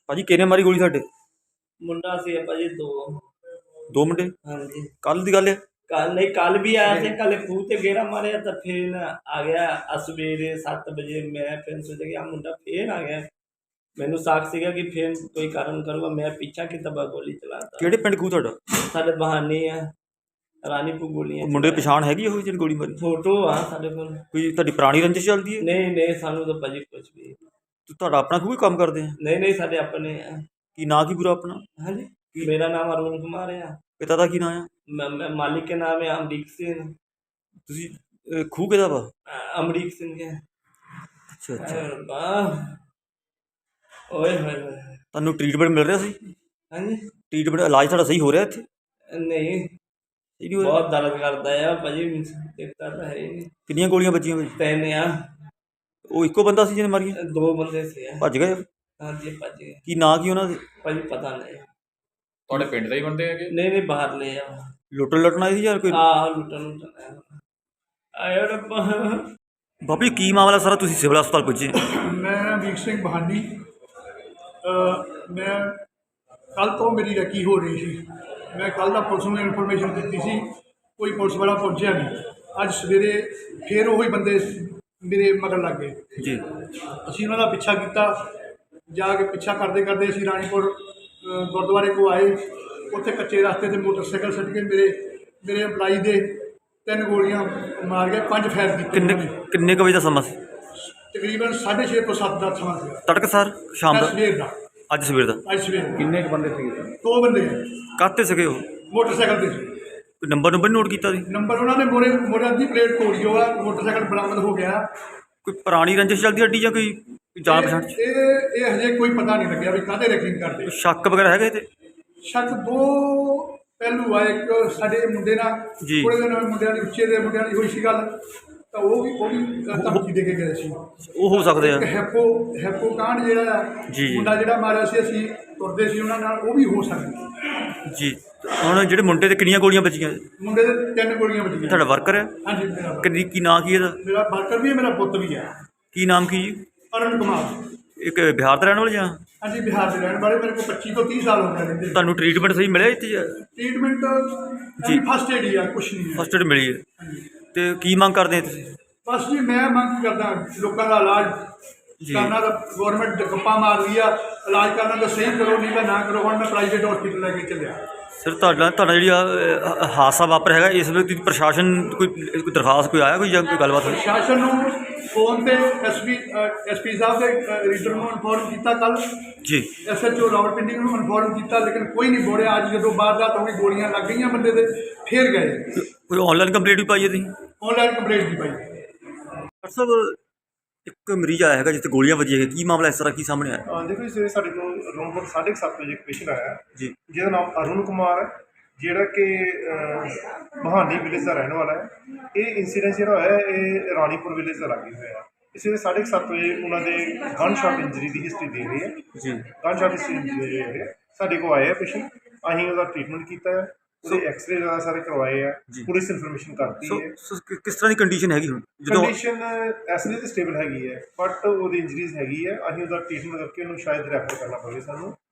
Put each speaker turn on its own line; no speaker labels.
ਭਾਜੀ ਕਿਹਨੇ ਮਾਰੀ ਗੋਲੀ ਤੁਹਾਡੇ?
ਮੁੰਡਾ ਸੀ ਭਾਜੀ
ਦੋ ਮੁੰਡੇ?
ਹਾਂਜੀ
ਕੱਲ ਦੀ ਗੱਲ ਹੈ?
ਕੱਲ नहीं कल भी आया थे कल खूह ते गेरा मारे तो फिर आ गया सवेरे 7 बजे मैं फिर सोचा कि मुंडा फिर आ गया मैनू साख सीगा कि फिर कोई कारण करूँगा मैं पीछा की तबा गोली चलाता
ਕਿਹੜੇ ਪਿੰਡ ਖੂਹ ਤੁਹਾਡਾ?
साढ़े बहाने है रानीपुर गोलियां
ਉਹ ਮੁੰਡੇ ਪਛਾਣ ਹੈਗੀ ਉਹ ਜਿਹੜੀ ਗੋਲੀ ਮਾਰੀ?
फोटो हाँ साढ़े को
ਕੋਈ ਤੁਹਾਡੀ ਪੁਰਾਣੀ ਰੰਜਿਸ਼ ਚੱਲਦੀ ਹੈ?
नहीं सानू तो भाजी कुछ भी
ਤੁਹਾਡਾ ਆਪਣਾ ਖੂਹ ਹੀ ਕੰਮ ਕਰਦੇ ਆ?
नहीं साढ़े अपने है
ਕੀ ਨਾਂ ਕੀ ਪੂਰਾ ਆਪਣਾ?
हाँ जी मेरा नाम अरुण कुमार है
ਪਿਤਾ ਦਾ ਕੀ ਨਾਂ ਆ?
मालिक के नाम है अमरीक सिंह
ਤੁਸੀਂ ਖੂਹ ਕਿਹਦਾ ਵਾ?
अमरीक सिंह है
ਅੱਛਾ ਅੱਛਾ।
ओए होए
ਤੁਹਾਨੂੰ ਟ੍ਰੀਟਮੈਂਟ ਮਿਲ ਰਿਹਾ ਸੀ?
हाँ जी
ਟ੍ਰੀਟਮੈਂਟ ਇਲਾਜ ਤੁਹਾਡਾ ਸਹੀ ਹੋ ਰਿਹਾ ਇੱਥੇ?
नहीं
ਸਹੀ ਨਹੀਂ ਹੋ ਰਿਹਾ?
बहुत दर्द करता है भाजी देखता तो है ही नहीं
ਕਿੰਨੀਆਂ ਗੋਲੀਆਂ ਵੱਜੀਆਂ ਭਾਜੀ?
तीन आ
ਉਹ ਇੱਕੋ ਬੰਦਾ ਸੀ ਜਿਹਨੇ ਮਾਰੀਆਂ?
दो बंदे से
ਭੱਜ ਗਏ?
हाँ जी भज गए
ਕੀ ਨਾਂ ਕੀ ਉਹਨਾਂ ਦੇ?
भाजी पता नहीं
ਤੁਹਾਡੇ ਪਿੰਡ ਦੇ ਹੀ ਬੰਦੇ ਹੈਗੇ?
नहीं बाहर ले आओ
ਲੁੱਟਣ ਆਏ ਸੀ ਯਾਰ ਕੋਈ?
लुटन आयो रब्बा
ਬਾਬੀ ਕੀ ਮਾਮਲਾ ਸਾਰਾ? ਤੁਸੀਂ ਸਿਵਲ ਹਸਪਤਾਲ ਪੁੱਜੇ?
मैं अमीर सिंह बहानी मैं कल तो मेरी रैकी हो रही थी मैं कल का पुलिस में इन्फॉर्मेशन दी सी कोई पुलिस वाला पहुंचा नहीं अज सवेरे फिर वही बंदे मेरे मगर लग गए
ਜੀ
असी उन्हों का पिछा किया जाके पिछा करते करते असी रानीपुर गुरुद्वारे को आए उत्थे कच्चे रास्ते से मोटरसाइकिल सट के मेरे मेरे एम्पलाई दे 3 गोलियां मार गए 5 फायर
ਕਿੰਨੇ
किए
ਕਿੰਨੇ ਕੁ ਵਜੇ ਦਾ ਸਮਾਂ ਸੀ?
तकरीबन 6:30 तो 7 का समा से
ਤੜਕਸਾਰ ਸ਼ਾਮ ਦਾ?
सवेर का
ਅੱਜ ਸਵੇਰ ਦਾ?
अज सवेर
ਕਿੰਨੇ ਕੁ ਬੰਦੇ ਸੀਗੇ?
2 बंदे हैं
ਕਾਹਤੇ ਸੀਗੇ ਉਹ?
मोटरसाइकिल से
ਕੋਈ ਨੰਬਰ ਨੋਟ ਕੀਤਾ ਸੀ?
नंबर उन्होंने मोरे मोरे की प्लेट तोड़ी होगा मोटरसाइकिल बरामद हो गया
ਕੋਈ ਪੁਰਾਣੀ ਰੰਜਿਸ਼ ਚੱਲਦੀ ਅੱਡੀ ਜਾਂ ਕੋਈ ਜਾਣ ਪਛਾਣ 'ਚ?
ये हजे कोई पता नहीं लगे भी काहदे रैकिंग करते
ਕੋਈ ਸ਼ੱਕ ਵਗੈਰਾ ਹੈਗਾ ਇਹਦੇ?
शक 2 पहलू आ एक साडे मुंडे नाल
जी।
थोड़े दिन मुंडियां दी उच्चे दे मुंडियां दी होई सी गल ਤਾਂ ਉਹ ਵੀ ਧਮਕੀ ਦੇ ਕੇ ਗਏ ਸੀ।
ਉਹ ਹੋ ਸਕਦੇ ਆ।
ਇੱਕ ਹੈਪੋ ਕਾਂਡ ਜਿਹੜਾ
ਜੀ।
ਮੁੰਡਾ ਜਿਹੜਾ ਮਾਰਿਆ ਸੀ ਅਸੀਂ ਤੁਰਦੇ ਸੀ ਉਹਨਾਂ ਨਾਲ ਉਹ ਵੀ ਹੋ ਸਕਦਾ
ਜੀ ਹੁਣ ਜਿਹੜੇ ਮੁੰਡੇ ਤੇ ਕਿੰਨੀਆਂ ਗੋਲੀਆਂ ਵੱਜੀਆਂ?
ਮੁੰਡੇ ਦੇ 3 ਗੋਲੀਆਂ ਵੱਜੀਆਂ।
ਤੁਹਾਡਾ ਵਰਕਰ ਹੈ?
ਹਾਂਜੀ ਮੇਰਾ
ਕਿੰਨੀ ਕੀ ਨਾਂ ਕੀ ਇਹਦਾ?
ਮੇਰਾ ਵਰਕਰ ਵੀ ਹੈ ਮੇਰਾ ਪੁੱਤ ਵੀ ਹੈ।
ਕੀ ਨਾਮ ਕੀ ਜੀ?
ਅਰੁਣ ਕੁਮਾਰ।
ਇੱਕ ਬਿਹਾਰ ਦਾ ਰਹਿਣ ਵਾਲਾ ਜਾਂ?
ਹਾਂਜੀ ਬਿਹਾਰ ਦੇ ਰਹਿਣ ਵਾਲੇ ਮੇਰੇ ਕੋਲ 25 ਤੋਂ 30 ਸਾਲ ਹੋ ਗਏ ਰਹਿੰਦੇ।
ਤੁਹਾਨੂੰ ਟ੍ਰੀਟਮੈਂਟ ਸਹੀ ਮਿਲਿਆ ਇੱਥੇ?
ਟ੍ਰੀਟਮੈਂਟ
ਜੀ।
ਫਸਟ ਏਡ ਹੀ ਆ ਕੁਛ ਨਹੀਂ ਹੈ।
ਫਸਟ ਏਡ ਮਿਲੀ ਹੈ ਤੇ ਕੀ ਮੰਗ ਕਰਦੇ ਆ ਤੁਸੀਂ?
ਬਸ ਜੀ ਮੈਂ ਮੰਗ ਕਰਦਾ ਲੋਕਾਂ ਦਾ ਇਲਾਜ
ਜੀ।
ਕਰਨਾ ਤਾਂ ਗੌਰਮੈਂਟ ਗੱਪਾਂ ਮਾਰਦੀ ਆ ਇਲਾਜ ਕਰਨਾ ਤਾਂ ਸਹੀ ਕਰੋ ਨਹੀਂ ਤਾਂ ਨਾ ਕਰੋ। ਹੁਣ ਮੈਂ ਪ੍ਰਾਈਵੇਟ ਹਸਪੀਟਲ ਲੈ ਕੇ ਚੱਲਿਆ।
ਸਰ ਤੁਹਾਡਾ ਜਿਹੜੀ ਹਾਦਸਾ ਵਾਪਰ ਹੈਗਾ ਇਸ ਵੇਲੇ ਤੁਸੀਂ ਪ੍ਰਸ਼ਾਸਨ ਕੋਈ ਦਰਖਾਸਤ ਕੋਈ ਆਇਆ ਕੋਈ ਜਾਂ ਕੋਈ ਗੱਲਬਾਤ ਹੋਈ?
ਪ੍ਰਸ਼ਾਸਨ ਨੂੰ ਫੋਨ ਤੇ ਐਸਪੀ ਸਾਹਿਬ ਦੇ ਰੀਡਰ ਨੂੰ ਇਨਫੋਰਮ ਕੀਤਾ ਕੱਲ
ਜੀ।
SHO ਰਾਵਲਪਿੰਡੀ ਨੂੰ ਇਨਫੋਰਮ ਕੀਤਾ ਲੇਕਿਨ ਕੋਈ ਨਹੀਂ ਬੋੜਿਆ। ਅੱਜ ਜਦੋਂ ਵਾਰਦਾਤ ਹੋ ਗਈ ਗੋਲੀਆਂ ਲੱਗ ਗਈਆਂ ਬੰਦੇ ਦੇ ਫਿਰ ਗਏ।
ਕੋਈ ਆਨਲਾਈਨ ਕੰਪਲੇਂਟ ਵੀ ਪਾਈ ਹੈ ਤੁਸੀਂ?
ਆਨਲਾਈਨ ਕੰਪਲੇਂਟ ਦੀ ਪਾਈ।
ਡਾਕਟਰ ਸਾਹਿਬ ਇੱਕ ਮਰੀਜ਼ ਆਇਆ ਹੈਗਾ ਜਿੱਥੇ ਗੋਲੀਆਂ ਵੱਜੀਆਂ ਹੈਗੀਆਂ, ਕੀ ਮਾਮਲਾ ਇਸ ਤਰ੍ਹਾਂ ਕੀ ਸਾਹਮਣੇ ਆਇਆ?
ਦੇਖੋ ਜੀ ਸਵੇਰੇ ਸਾਡੇ ਕੋਲ ਰੂਮ 7:30 ਵਜੇ ਇੱਕ ਪੇਸ਼ੈਂਟ ਆਇਆ
ਜੀ।
ਜਿਹਦਾ ਨਾਮ ਅਰੁਣ ਕੁਮਾਰ ਹੈ ਜਿਹੜਾ ਕਿ ਬਹਾਨੀ ਵਿਲੇਜ ਦਾ ਰਹਿਣ ਵਾਲਾ ਹੈ। ਇਹ ਇੰਸੀਡੈਂਟ ਜਿਹੜਾ ਹੋਇਆ ਇਹ ਰਾਣੀਪੁਰ ਵਿਲੇਜ ਦਾ ਲਾਗੇ ਹੋਇਆ। ਇਸ ਵੇਲੇ 7:30 ਵਜੇ ਉਹਨਾਂ ਦੇ ਗਨ ਸ਼ਾਟ ਇੰਜਰੀ ਦੀ ਹਿਸਟਰੀ ਦੇ ਰਹੀ ਹੈ।
ਜੀ।
ਗਨ ਸ਼ਾਟ ਹਿਸਟਰੀ ਦੇ ਰਹੇ ਹੈ। ਸਾਡੇ ਕੋਲ ਆਏ ਆ ਪੇਸ਼ੈਂਟ, ਅਸੀਂ ਉਹਦਾ ਟ੍ਰੀਟਮੈਂਟ ਕੀਤਾ ਹੈ, ਉਹਦੇ ਐਕਸਰੇ ਵਗੈਰਾ ਸਾਰੇ ਕਰਵਾਏ ਆ, ਪੁਲਿਸ ਇਨਫੋਰਮੇਸ਼ਨ ਕਰਤੀ ਹੈ।
ਕਿਸ ਤਰ੍ਹਾਂ ਦੀ ਕੰਡੀਸ਼ਨ ਹੈਗੀ ਹੁਣ?
ਕੰਡੀਸ਼ਨ ਐਸਲੇ ਤੇ ਸਟੇਬਲ ਹੈਗੀ ਹੈ ਬਟ ਉਹਦੀ ਇੰਜਰੀਜ਼ ਹੈਗੀ ਹੈ। ਅਸੀਂ ਉਹਦਾ ਟ੍ਰੀਟਮੈਂਟ ਕਰਕੇ ਉਹਨੂੰ ਸ਼ਾਇਦ ਰੈਫਰ ਕਰਨਾ ਪਵੇ ਸਾਨੂੰ।